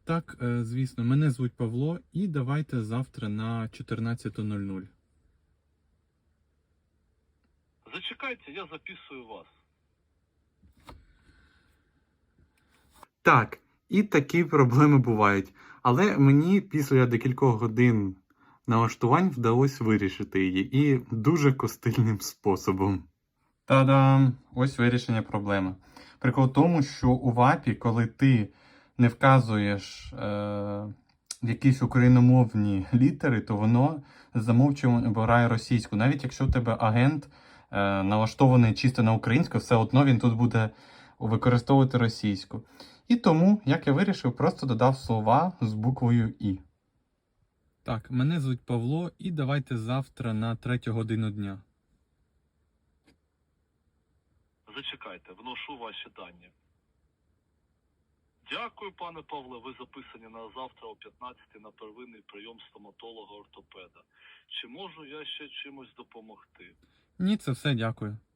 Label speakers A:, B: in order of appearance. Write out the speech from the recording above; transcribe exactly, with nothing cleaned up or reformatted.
A: Так, е, звісно, мене звуть Павло, і давайте завтра на чотирнадцяту нуль нуль.
B: Зачекайте, я записую вас.
A: Так, і такі проблеми бувають. Але мені після декількох годин налаштувань вдалося вирішити її, і дуже костильним способом. Та-дам! Ось вирішення проблеми. Прикол в тому, що у вапі, коли ти не вказуєш е, якісь україномовні літери, то воно замовчувано обирає російську. Навіть якщо у тебе агент е, налаштований чисто на українську, все одно він тут буде використовувати російську. І тому, як я вирішив, просто додав слова з буквою І. Так, мене звуть Павло, і давайте завтра на третю годину дня.
B: Зачекайте, вношу ваші дані. Дякую, пане Павле, ви записані на завтра о п'ятнадцятій на первинний прийом стоматолога-ортопеда. Чи можу я ще чимось допомогти?
A: Ні, це все, дякую.